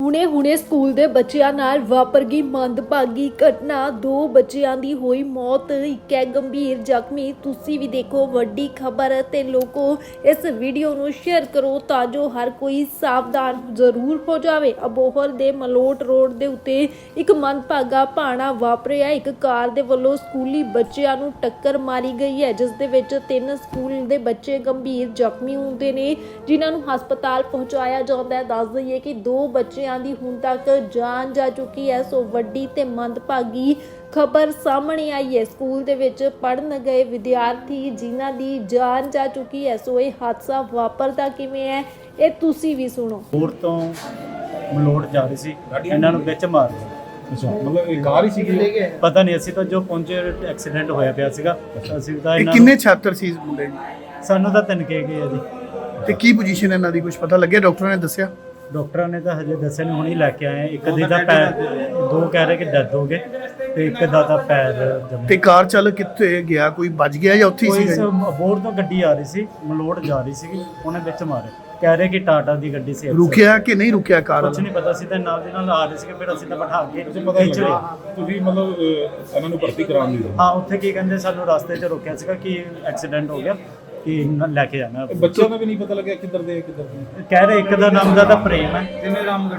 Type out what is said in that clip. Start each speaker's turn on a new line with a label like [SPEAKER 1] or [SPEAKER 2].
[SPEAKER 1] ਹੁਣੇ ਸਕੂਲ ਦੇ ਬੱਚਿਆਂ ਨਾਲ ਵਾਪਰ ਗਈ ਮੰਦਭਾਗੀ ਘਟਨਾ। 2 ਬੱਚਿਆਂ ਦੀ ਹੋਈ ਮੌਤ, ਇੱਕ ਹੈ ਗੰਭੀਰ ਜ਼ਖਮੀ। ਤੁਸੀਂ ਵੀ ਦੇਖੋ ਵੱਡੀ ਖਬਰ ਤੇ ਲੋਕੋ ਇਸ ਵੀਡੀਓ ਨੂੰ ਸ਼ੇਅਰ ਕਰੋ ਤਾਂ ਜੋ ਹਰ ਕੋਈ ਸਾਵਧਾਨ ਜ਼ਰੂਰ ਹੋ ਜਾਵੇ। ਅਬੋਹਰ ਦੇ ਮਲੋਟ ਰੋਡ ਦੇ ਉੱਤੇ ਇੱਕ ਮੰਦਭਾਗਾ ਭਾਣਾ ਵਾਪਰਿਆ। ਇੱਕ ਕਾਰ ਦੇ ਵੱਲੋਂ ਸਕੂਲੀ ਬੱਚਿਆਂ ਨੂੰ ਟੱਕਰ ਮਾਰੀ ਗਈ ਹੈ, ਜਿਸ ਦੇ ਵਿੱਚ 3 ਸਕੂਲ ਦੇ ਬੱਚੇ ਗੰਭੀਰ ਜ਼ਖਮੀ ਹੁੰਦੇ ਨੇ, ਜਿਨ੍ਹਾਂ ਨੂੰ ਹਸਪਤਾਲ ਪਹੁੰਚਾਇਆ ਜਾਂਦਾ ਹੈ। ਦੱਸ ਦਈਏ ਕਿ 2 ਬੱਚਿਆਂ ਦੀ ਹੁਣ ਤੱਕ ਜਾਨ ਜਾ ਚੁੱਕੀ ਹੈ। ਸੋ ਵੱਡੀ ਤੇ ਮੰਦਭਾਗੀ ਖਬਰ ਸਾਹਮਣੇ ਆਈ ਹੈ। ਸਕੂਲ ਦੇ ਵਿੱਚ ਪੜ੍ਹਨ ਗਏ ਵਿਦਿਆਰਥੀ ਜਿਨ੍ਹਾਂ ਦੀ ਜਾਨ ਜਾ ਚੁੱਕੀ ਹੈ। ਸੋ ਇਹ ਹਾਦਸਾ ਵਾਪਰਦਾ ਕਿਵੇਂ ਹੈ, ਇਹ ਤੁਸੀਂ ਵੀ ਸੁਣੋ।
[SPEAKER 2] ਹੋਰ ਤੋਂ ਮਲੋਟ ਜਾ ਰਹੀ ਸੀ, ਇਹਨਾਂ ਨੂੰ ਵਿੱਚ ਮਾਰ ਲਿਆ।
[SPEAKER 3] ਅੱਛਾ, ਮਤਲਬ ਇਹ ਕਾਰ ਹੀ ਸੀਗੀ?
[SPEAKER 2] ਪਤਾ ਨਹੀਂ, ਅਸੀਂ ਤਾਂ ਜੋ ਪਹੁੰਚੇ ਐਕਸੀਡੈਂਟ ਹੋਇਆ ਪਿਆ ਸੀਗਾ। ਅਸੀਂ ਤਾਂ
[SPEAKER 4] ਇਹ
[SPEAKER 2] ਇਹਨਾਂ
[SPEAKER 4] ਕਿੰਨੇ ਛਾਤਰ ਸੀ ਇਸ ਮੁੰਡੇ ਦੀ?
[SPEAKER 2] ਸਾਨੂੰ ਤਾਂ ਤਿੰਨਕੇ ਗਏ ਆ ਜੀ।
[SPEAKER 4] ਤੇ ਕੀ ਪੋਜੀਸ਼ਨ ਇਹਨਾਂ ਦੀ, ਕੁਝ ਪਤਾ ਲੱਗਿਆ? ਡਾਕਟਰਾਂ ਨੇ ਦੱਸਿਆ?
[SPEAKER 2] ਡਾਕਟਰਾਂ ਨੇ ਤਾਂ ਹਜੇ ਦੱਸਿਆ ਨਹੀਂ, ਹੁਣੀ ਲੈ ਕੇ ਆਏ ਆ। ਇੱਕ ਦੀ ਤਾਂ ਪੈਰ, 2 ਕਹਿ ਰਹੇ ਕਿ ਡੈਥ ਹੋ ਗਏ ਤੇ ਇੱਕ ਦਾ ਤਾਂ ਪੈਰ ਜੰਮ।
[SPEAKER 4] ਤੇ ਕਾਰ ਚਾਲਕ ਕਿੱਥੇ ਗਿਆ? ਕੋਈ ਬਚ ਗਿਆ ਜਾਂ ਉੱਥੇ ਹੀ
[SPEAKER 2] ਕੋਈ
[SPEAKER 4] ਸੀ?
[SPEAKER 2] ਅਬੋਹਰ ਤੋਂ ਗੱਡੀ ਆ ਰਹੀ ਸੀ, ਮਲੋਟ ਜਾ ਰਹੀ ਸੀਗੀ, ਉਹਨੇ ਵਿੱਚ ਮਾਰੇ। ਕਹਿ ਰਹੇ ਕਿ ਟਾਟਾ ਦੀ ਗੱਡੀ ਸੀ।
[SPEAKER 4] ਰੁਕਿਆ ਕਿ ਨਹੀਂ ਰੁਕਿਆ ਕਾਰ
[SPEAKER 2] ਕੁਝ
[SPEAKER 4] ਵਾਲਾ?
[SPEAKER 2] ਨਹੀਂ ਪਤਾ ਸੀ, ਤਾਂ ਨਾਲ ਦੇ ਨਾਲ ਆ ਰਹੇ ਸੀਗੇ। ਫਿਰ ਅਸੀਂ ਤਾਂ ਬਿਠਾ ਕੇ
[SPEAKER 3] ਪਤਾ
[SPEAKER 2] ਖਿੱਚ ਲਿਆ।
[SPEAKER 3] ਲੱਗਾ ਤੁਸੀਂ ਮਤਲਬ ਇਹਨਾਂ ਨੂੰ ਭਰਤੀ ਕਰਾਉਣ ਦੀ?
[SPEAKER 2] ਹਾਂ, ਉੱਥੇ ਕੀ ਕਹਿੰਦੇ, ਸਾਨੂੰ ਰਸਤੇ 'ਚ ਰੋਕਿਆ ਸੀਗਾ ਕਿ ਐਕਸੀਡੈਂਟ ਹੋ ਗਿਆ, ਕਿ ਲੈ ਕੇ ਜਾਣਾ।
[SPEAKER 3] ਬੱਚਿਆਂ ਦਾ ਵੀ ਨਹੀਂ ਪਤਾ ਲੱਗਿਆ ਕਿੱਧਰ ਦੇ ਕਿੱਧਰ ਦੇ।
[SPEAKER 2] ਕਹਿ ਰਹੇ ਇੱਕ ਦਾ ਨਾਮ ਦਾ ਤਾਂ ਪ੍ਰੇਮ ਹੈ।